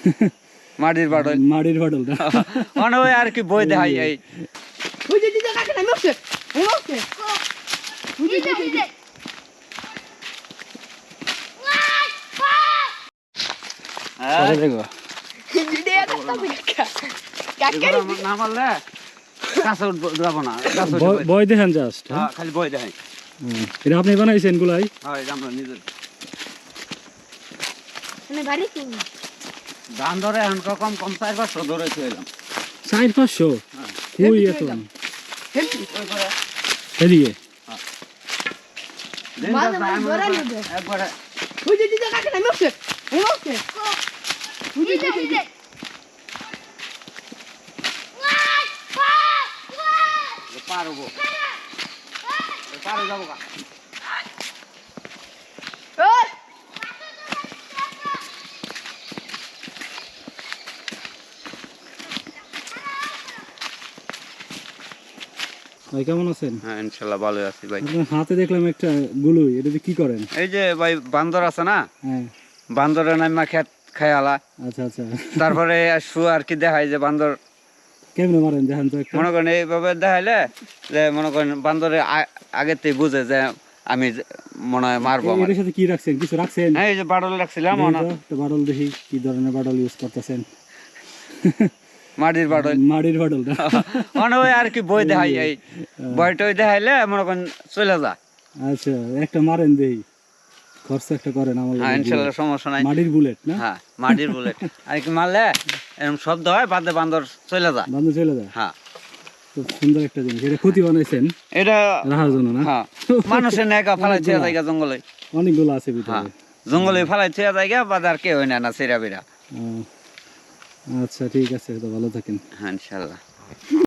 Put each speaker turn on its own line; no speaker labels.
মাটির বাটল
মাটির বাটলটা
মানে ওই আর কি বই দেখাই এই
ওই যে দিদা কাকে না মরছে এই মরছে ওই যে দিদা
পরে দেখো
দিদা কাকা কাকা
না মারলে কাছে যাবো না
বই দেখেন জাস্ট
খালি বই দেখাই
এটা আপনি বানাইছেন গুলাই
হয় আমরা নিজের
মানে বাড়ি কিনি
দাম ধরে এখন কম 4-500 ধরে ছিলাম
400-500 কই এত এদিকে
একবারে
ওই যে দিদা কাকে না মরছে এই মরছে ওই যে দিদা
পারবো পারো যাবো কা
ওই
ভাই কেমন আছেন?
হ্যাঁ ইনশাআল্লাহ ভালো আছি ভাই।
আপনার হাতে দেখলাম একটা গুলুই, এটা দিয়ে কি করেন?
এই যে ভাই বান্দর আছে না,
হ্যাঁ
বান্দরের নামা খেত খায়ালা,
আচ্ছা আচ্ছা
তারপরে আর কি দেখায় যে বান্দর
কেমনে মারেন দেখেন তো একটা।
মনে করেন এইভাবে দেখাইলে যে মনে করেন বান্দরে আগেতেই বুঝে যে আমি মনে হয় মারবো।
এর সাথে কি রাখছেন? কিছু রাখছেন?
হ্যাঁ এই যে বাটল রাখছিলাম,
তো বাটল দেখি কি ধরনের বাটল ইউজ করতেছেন।
মাটির বাটল
মাটির বাটলটা
মানে ওই আর কি বই দেখাই এই বইটই দেখাইলে মনে করেন চলে যা।
আচ্ছা একটা মারেন দেই, খরচ একটা করেন আমার।
হ্যাঁ ইনশাআল্লাহ সমস্যা নাই।
মাটির বুলেট না?
হ্যাঁ মাটির বুলেট আর কি মারলে এরকম শব্দ হয় বাদে বান্দর চলে যা,
বান্দর চলে যায়।
হ্যাঁ
খুব সুন্দর একটা জিনিস। এটা ক্ষতি বানাইছেন
এটা
রাখার জন্য না?
হ্যাঁ মানুষের নেকা ফালাই ছেড়ে জায়গা জঙ্গলে,
অনেকগুলো আছে
হ্যাঁ
ভিতরে।
জঙ্গলে ফালাই ছেড়ে জায়গা বাদে আর কেউ না সেরা বেরা।
আচ্ছা ঠিক আছে, তো ভালো থাকেন।
হ্যাঁ ইনশাআল্লাহ।